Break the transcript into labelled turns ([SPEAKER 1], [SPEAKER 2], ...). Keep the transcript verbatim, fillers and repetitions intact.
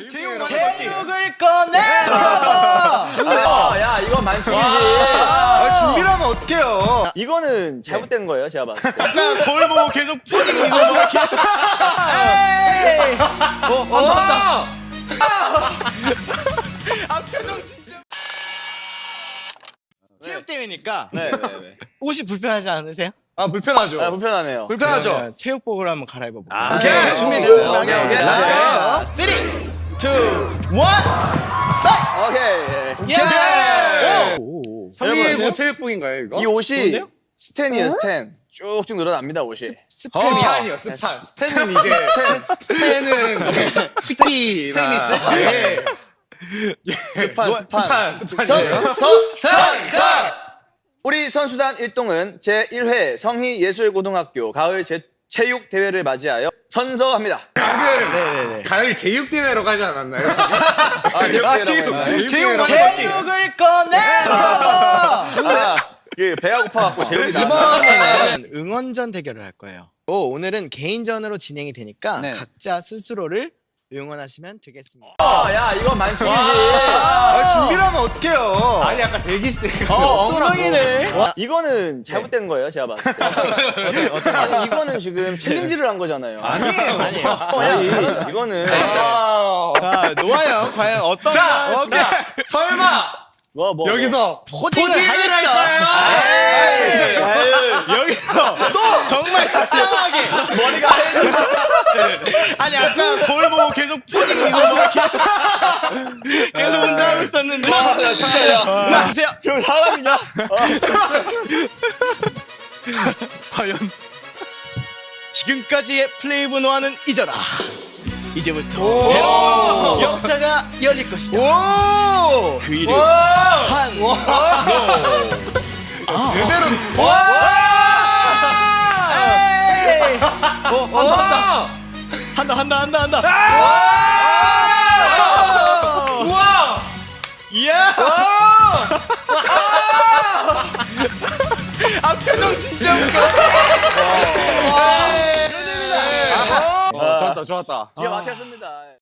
[SPEAKER 1] 제육
[SPEAKER 2] 제육을 꺼내봐.
[SPEAKER 1] 아, 야, 이건 만칙이지. 아, 준비를 하면 어떡해요.
[SPEAKER 3] 이거는 잘못된 거예요, 제가 봤을 때.
[SPEAKER 2] 약간 거울 보고 계속 포징 이거 뭐가 기. 에이.
[SPEAKER 1] 어, 어, 맞다.
[SPEAKER 2] 아 표정 진짜. 체육 대회니까
[SPEAKER 3] 네, 네, 네.
[SPEAKER 2] 옷이 불편하지 않으세요?
[SPEAKER 1] 아, 불편하죠.
[SPEAKER 3] 아, 불편하네요.
[SPEAKER 1] 불편하죠.
[SPEAKER 2] 그러면 체육복으로 한번 갈아입어 볼게요.
[SPEAKER 1] 아, 오케이.
[SPEAKER 2] 준비됐습니다.
[SPEAKER 3] 오케이, 오케이.
[SPEAKER 2] 렛츠고. 쓰리, 투, 원.
[SPEAKER 3] 오케이.
[SPEAKER 1] 예.
[SPEAKER 2] 오.
[SPEAKER 1] 성의 뭐 체육복인가요, 이거?
[SPEAKER 3] 이 옷이
[SPEAKER 2] 좋은데요?
[SPEAKER 3] 스텐이에요, 스텐. 쭉쭉 늘어납니다, 옷이.
[SPEAKER 1] 스팸이 아니요, 스판. 스탠은 이제 스탠은 식기
[SPEAKER 3] 스테인리스?
[SPEAKER 1] 예.
[SPEAKER 3] 스판, 스판.
[SPEAKER 1] 스판, 스판이에요.
[SPEAKER 3] 선, 선, 선! 우리 선수단 일동은 제일 회 성희예술고등학교 가을 제, 체육 대회를 맞이하여 선서합니다.
[SPEAKER 2] 네네네.
[SPEAKER 1] 가을 제육 대회로 가지 않았나요?
[SPEAKER 3] 아, 체육
[SPEAKER 1] 아,
[SPEAKER 3] 대회라고
[SPEAKER 1] 체육,
[SPEAKER 3] 했나요?
[SPEAKER 1] 체육,
[SPEAKER 2] 제육을 꺼내봐.
[SPEAKER 3] 아, 그 배가 고파갖고 제육이 나.
[SPEAKER 2] 이번에는 응원전 대결을 할 거예요. 오, 오늘은 개인전으로 진행이 되니까
[SPEAKER 3] 네.
[SPEAKER 2] 각자 스스로를 응원하시면 되겠습니다.
[SPEAKER 3] 아, 야, 이건 만칙이지.
[SPEAKER 1] 아, 준비를 하면 어떡해요.
[SPEAKER 2] 아,
[SPEAKER 1] 아니, 약간 대기실 때.
[SPEAKER 3] 어,
[SPEAKER 2] 엉덩이를.
[SPEAKER 3] 와, 이거는 잘못된 거예요, 제가 봤을 때. 아니, 이거는 지금 챌린지를 한 거잖아요.
[SPEAKER 1] 아니에요.
[SPEAKER 2] 아니에요.
[SPEAKER 3] 어, 야, 이- 이거는.
[SPEAKER 2] 자, 노아요. 과연 어떤
[SPEAKER 1] 자,
[SPEAKER 2] 오케이.
[SPEAKER 1] 자, 설마
[SPEAKER 3] 뭐, 뭐.
[SPEAKER 1] 여기서
[SPEAKER 2] 포징을
[SPEAKER 1] 포징을
[SPEAKER 2] 하겠어.
[SPEAKER 1] 할까요?
[SPEAKER 2] 에이, 여기서 또 정말 식상하게 머리가 하얘졌어. 아니 아까 거울 보고 계속 포징 이거 뭐가 기. 계속 운동하고 있었는데.
[SPEAKER 3] 아, 나 진짜, 야.
[SPEAKER 2] 나주세요.
[SPEAKER 3] 저 사람이냐?
[SPEAKER 2] 과연 지금까지의 플레이브 노아는 잊어라. 이제부터 새로운 역사가 열릴 것이다.
[SPEAKER 1] 오!
[SPEAKER 2] 그 이름 한 로.
[SPEAKER 1] 제대로.
[SPEAKER 2] 와!
[SPEAKER 1] 에이!
[SPEAKER 2] 어,
[SPEAKER 1] 와!
[SPEAKER 2] 한다 한다 한다 한다.
[SPEAKER 1] 우와!
[SPEAKER 2] 이야! 아 표정 진짜 웃겨.
[SPEAKER 1] 아, 좋았다, 좋았다.
[SPEAKER 3] 기가 막혔습니다.